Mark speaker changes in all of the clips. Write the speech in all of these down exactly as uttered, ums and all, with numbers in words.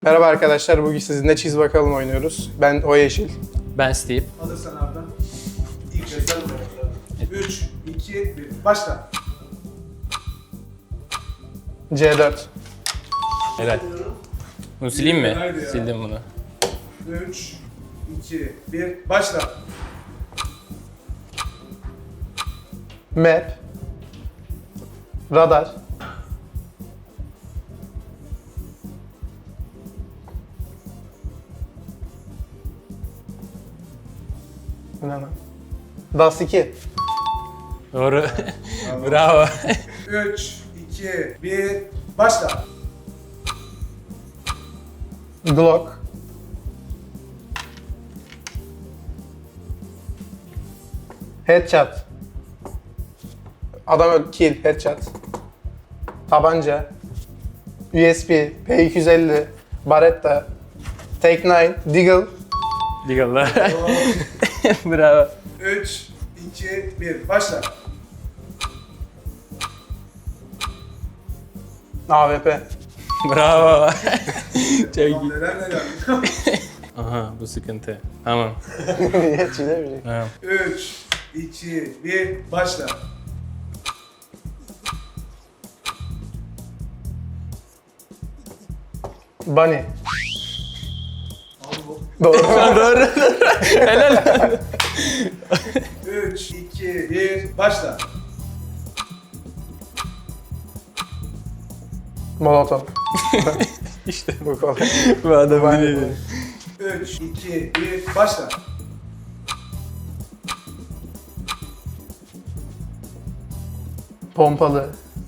Speaker 1: Merhaba arkadaşlar, bugün sizinle Çiz Bakalım oynuyoruz. Ben O Yeşil.
Speaker 2: Ben Steve.
Speaker 3: Hazırsan Arda. İlk kez sen üç, iki, bir. Başla.
Speaker 1: C dört.
Speaker 2: Helal. Bunu sileyim mi?
Speaker 3: Haydi ya.
Speaker 2: Sildim bunu.
Speaker 3: üç, iki, bir. Başla.
Speaker 1: Map. Radar. Bu ne lan? Das iki.
Speaker 2: Doğru. Bravo.
Speaker 3: üç, iki, bir. Başla.
Speaker 1: Glock. Headshot. Adam öl, kill, headshot. Tabanca. U S B, P iki yüz elli, Barretta, Take nine, Deagle,
Speaker 2: Legal'la. Bravo.
Speaker 3: üç, iki, bir. Başla.
Speaker 1: A W P.
Speaker 2: Bravo. Çok
Speaker 3: Tamam,
Speaker 2: iyi.
Speaker 3: neler neler.
Speaker 2: Aha bu sıkıntı. Tamam.
Speaker 1: Niye çizemeyecek?
Speaker 2: Tamam.
Speaker 3: üç, iki, bir. Başla.
Speaker 1: Bunny.
Speaker 3: Al bu.
Speaker 1: Doğru.
Speaker 2: Doğru. Helal.
Speaker 3: üç, iki, bir. Başla.
Speaker 1: Molotov.
Speaker 2: İşte
Speaker 1: Bu kolay.
Speaker 2: bu adam
Speaker 1: Bunny.
Speaker 2: biliyor.
Speaker 3: üç, iki, bir. Başla.
Speaker 1: Pompalı.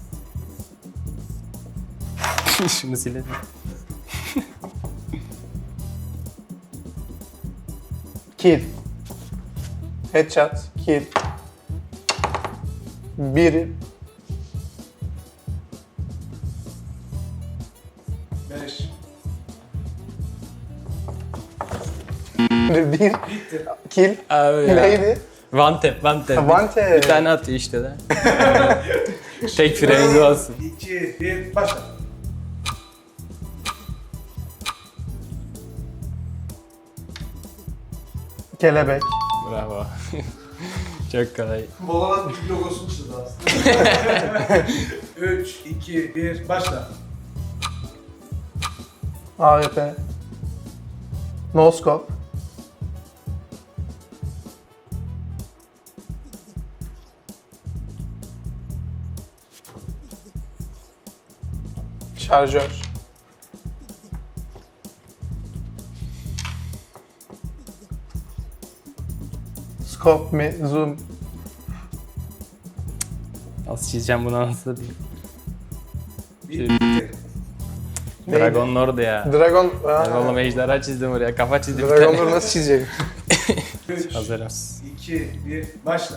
Speaker 2: Şunu silelim.
Speaker 1: Kill. Headshot. Kill. Bir.
Speaker 3: beş.
Speaker 1: Bir.
Speaker 3: Bitti.
Speaker 1: Kill.
Speaker 2: Abi ya.
Speaker 1: Neydi?
Speaker 2: One tap, one tap.
Speaker 1: One tap.
Speaker 2: Bir tane atıyor işte de. Tek freni olsun.
Speaker 3: iki, bir. Başla.
Speaker 1: Kelebek.
Speaker 2: Bravo. Çok kolay.
Speaker 3: Valorant bir logosunu çizdi aslında. üç, iki, bir. Başla.
Speaker 1: A W P. No scope. Şarjör. Scope mi? Zoom.
Speaker 2: Nasıl çizeceğim bunu nasıl değil.
Speaker 3: Bitti.
Speaker 1: Neydi?
Speaker 2: Dragon Lord ya.
Speaker 1: Dragon.
Speaker 2: Ben
Speaker 1: Aa,
Speaker 2: oğlum ejderha çizdim oraya. Kafa çizdim. bir
Speaker 1: Dragon
Speaker 2: tane.
Speaker 1: Lord nasıl çizecek?
Speaker 3: üç,
Speaker 2: Hazırım.
Speaker 3: iki, bir. Başla.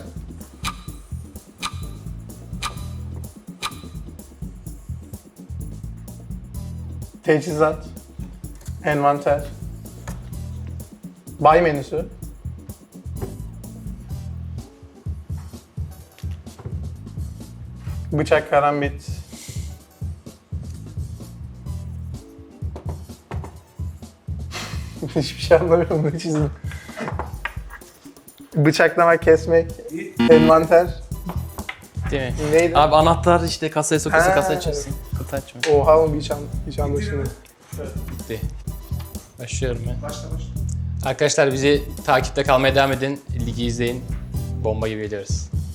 Speaker 1: Teçhizat. Envanter. Buy menüsü. Bıçak, karambit. Hiçbir şey anlamıyorum, ne çizdim. Bıçaklamak, kesmek,
Speaker 3: Bitti.
Speaker 1: envanter.
Speaker 2: Değil mi?
Speaker 1: Neydi?
Speaker 2: Abi anahtar işte kasaya sokuyorsun,
Speaker 1: Ha.
Speaker 2: kasa açıyorsun. Kutu açma.
Speaker 1: Oha oğlum hiç, an, hiç anlaşılmıyor.
Speaker 2: Bitti. Başlıyorum ben.
Speaker 3: Başla başla.
Speaker 2: Arkadaşlar bizi takipte kalmaya devam edin. Ligi izleyin. Bomba gibi geliyoruz.